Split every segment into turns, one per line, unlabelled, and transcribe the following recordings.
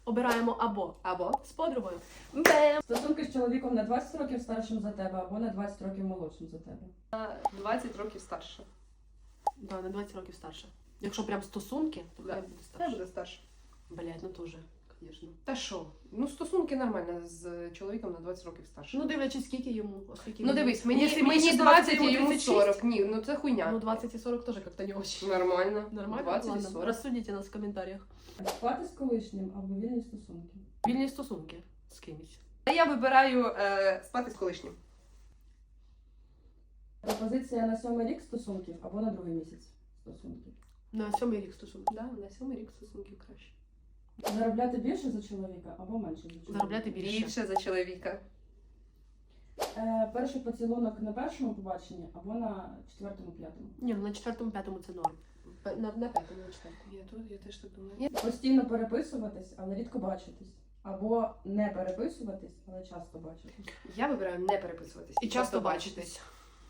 Обираємо або
Або
з подругою. Бем!
Стосунки з чоловіком на 20 років старшим за тебе або на 20 років молодшим за тебе.
20 років старше.
Да, на 20 років старше. Якщо прям стосунки, то
Да.
хай буде
Хай
старше.
буде старше.
Блять, ну теж, звісно.
Та що? Ну, стосунки нормально з чоловіком на 20 років старше.
Ну дивлячись, скільки йому. Оскільки
Ну дивись, мені
Якщо мені
20,
20,
а йому
36.
40. Ні, ну це хуйня.
Ну 20 і 40 теж як-то не очень.
Нормально.
Нормально?
20 і
Ладно,
40.
розсудіть нас в коментарях.
Спати з колишнім або вільні стосунки.
Вільні стосунки з кимось.
А я вибираю спати з колишнім.
Пропозиція на 7-й рік стосунків або на 2-й місяць стосунків.
На 7-й рік стосунки.
Да, на 7 рік стосунків краще.
Заробляти більше за чоловіка або менше за чоловіка.
Заробляти більше.
Більше за чоловіка.
Перший поцілунок на першому побаченні або на 4-му-5-му.
Ні, ну на 4-му-5-му це норм. На 5-му, на 4-му.
Я теж так думаю.
Постійно переписуватись, але рідко бачитись. Або не переписуватись, але часто бачитись.
Я вибираю не переписуватись.
І часто бачитись.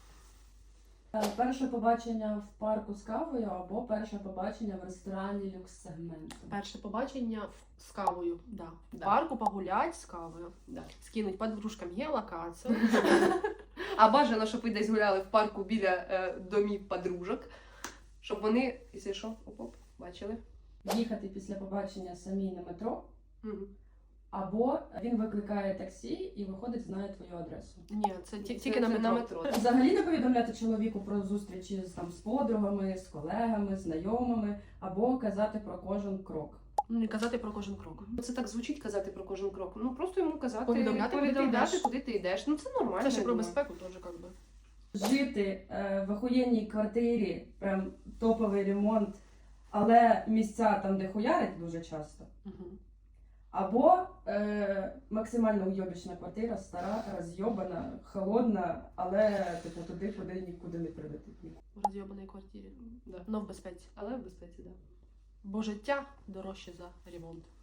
Перше побачення в парку з кавою або перше побачення в ресторані люкс-сегменту.
Перше побачення з кавою. Да. В
Да.
парку погулять з кавою.
Да.
Скинуть подружкам геолокацію.
А бажано, щоб ви десь гуляли в парку біля домів подружок, щоб вони, якщо що, оп-оп, бачили.
Їхати після побачення самі на метро,
Мгм.
або він викликає таксі і виходить, знає твою адресу.
Ні, це тільки
Це
на метро.
Взагалі не повідомляти чоловіку про зустрічі з подругами, з колегами, знайомими, або казати про кожен крок.
Ну, не казати про кожен крок.
Це так звучить казати про кожен крок. Ну просто йому казати,
Повідомляти, куди ти йдеш.
куди ти йдеш. Ну це нормально.
Це ще
я
про
думаю.
безпеку теж як би.
Жити в охуєнній квартирі, прям топовий ремонт, але місця там, де хуярить дуже часто.
Угу.
Або максимально уйобічна квартира, стара, розйобана, холодна, але типу туди, куди нікуди не прилетить.
В розйобаній квартирі.
Да.
Но в безпеці.
Але в безпеці, так. Да.
Бо життя дорожче за ремонт.